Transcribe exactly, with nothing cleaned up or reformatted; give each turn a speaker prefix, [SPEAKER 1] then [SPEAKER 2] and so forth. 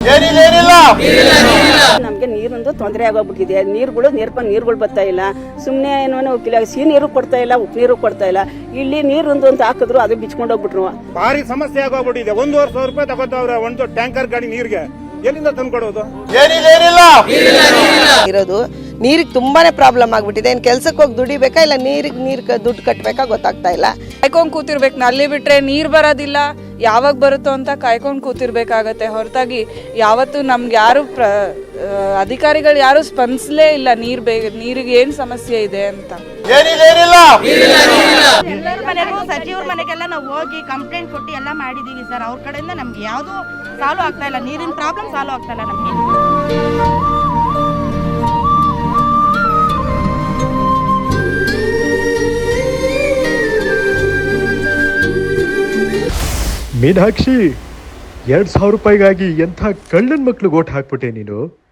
[SPEAKER 1] ನಮ್ಗೆ ನೀರಿಂದು ತೊಂದರೆ ಆಗೋಗ್ಬಿಟ್ಟಿದೆ. ನೀರುಗಳು ನೀರ್ಕೊಂಡು ನೀರುಗಳು ಬರ್ತಾ ಇಲ್ಲ. ಸುಮ್ಮನೆ ಏನೋ ಉಪ್ಪಿಲ್ಲ, ಸಿಹಿ ನೀರು ಕೊಡ್ತಾ ಇಲ್ಲ, ಉಪ್ಪು ನೀರು ಕೊಡ್ತಾ ಇಲ್ಲ. ಇಲ್ಲಿ ನೀರೊಂದು ಅಂತ ಹಾಕಿದ್ರು ಅದು ಬಿಚ್ಕೊಂಡು ಹೋಗ್ಬಿಟ್ರು.
[SPEAKER 2] ಭಾರಿ ಸಮಸ್ಯೆ ಆಗೋಗ್ಬಿಟ್ಟಿದೆ. ಒಂದೂವರೆ ಸಾವಿರ ರೂಪಾಯಿ ತಗೋತಾವ್ರೆ ಒಂದು ಟ್ಯಾಂಕರ್ ಗಾಡಿ ನೀರಿಗೆ. ಎಲ್ಲಿಂದ ತಂದ್ಕೊಡೋದು?
[SPEAKER 3] ಇರೋದು ನೀರಿಗೆ ತುಂಬಾನೇ ಪ್ರಾಬ್ಲಮ್ ಆಗ್ಬಿಟ್ಟಿದೆ. ಏನ್ ಕೆಲ್ಸಕ್ಕೆ ಹೋಗಿ ದುಡಿಬೇಕಾ ಇಲ್ಲ ನೀರಿಗೆ ನೀರ್ ದುಡ್ಡು ಕಟ್ಟಬೇಕಾ ಗೊತ್ತಾಗ್ತಾ ಇಲ್ಲ.
[SPEAKER 4] ಕಾಯ್ಕೊಂಡ್ ಕೂತಿರ್ಬೇಕು. ನಲ್ಲಿ ಬಿಟ್ರೆ ನೀರ್ ಬರೋದಿಲ್ಲ, ಯಾವಾಗ ಬರುತ್ತೋ ಅಂತ ಕಾಯ್ಕೊಂಡ್ ಕೂತಿರ್ಬೇಕಾಗತ್ತೆ. ಹೊರತಾಗಿ ಯಾವತ್ತು ನಮ್ಗೆ ಯಾರು ಪ್ರ ಅಧಿಕಾರಿಗಳು ಯಾರು ಸ್ಪಂದಿಸಲೇ ಇಲ್ಲ ನೀರ್ ಬೇ ನೀರಿಗೆ ಏನ್ ಸಮಸ್ಯೆ ಇದೆ ಅಂತ.
[SPEAKER 5] ಎಲ್ಲರ ಮನೆಗೂ ಸಚಿವರ ಮನೆಗೆಲ್ಲ ನಾವು ಹೋಗಿ ಕಂಪ್ಲೇಂಟ್ ಕೊಟ್ಟು ಎಲ್ಲ ಮಾಡಿದೀವಿ ಸರ್. ಅವ್ರ ಕಡೆಯಿಂದ ನಮ್ಗೆ ಯಾವ್ದು ಸಾಲ್ವ್ ಆಗ್ತಾ ಇಲ್ಲ. ನೀರಿನ ಪ್ರಾಬ್ಲಮ್ ಸಾಲ್ವ್ ಆಗ್ತಾ ಇಲ್ಲ ನಮ್ಗೆ.
[SPEAKER 6] ಮೀನಾಕ್ಷಿ, ಎರಡ್ ಸಾವಿರ ರೂಪಾಯಿಗಾಗಿ ಎಂಥ ಕಳ್ಳನ್ ಮಕ್ಳು ಓಟ್ ಹಾಕ್ಬಿಟ್ಟೆ ನೀನು.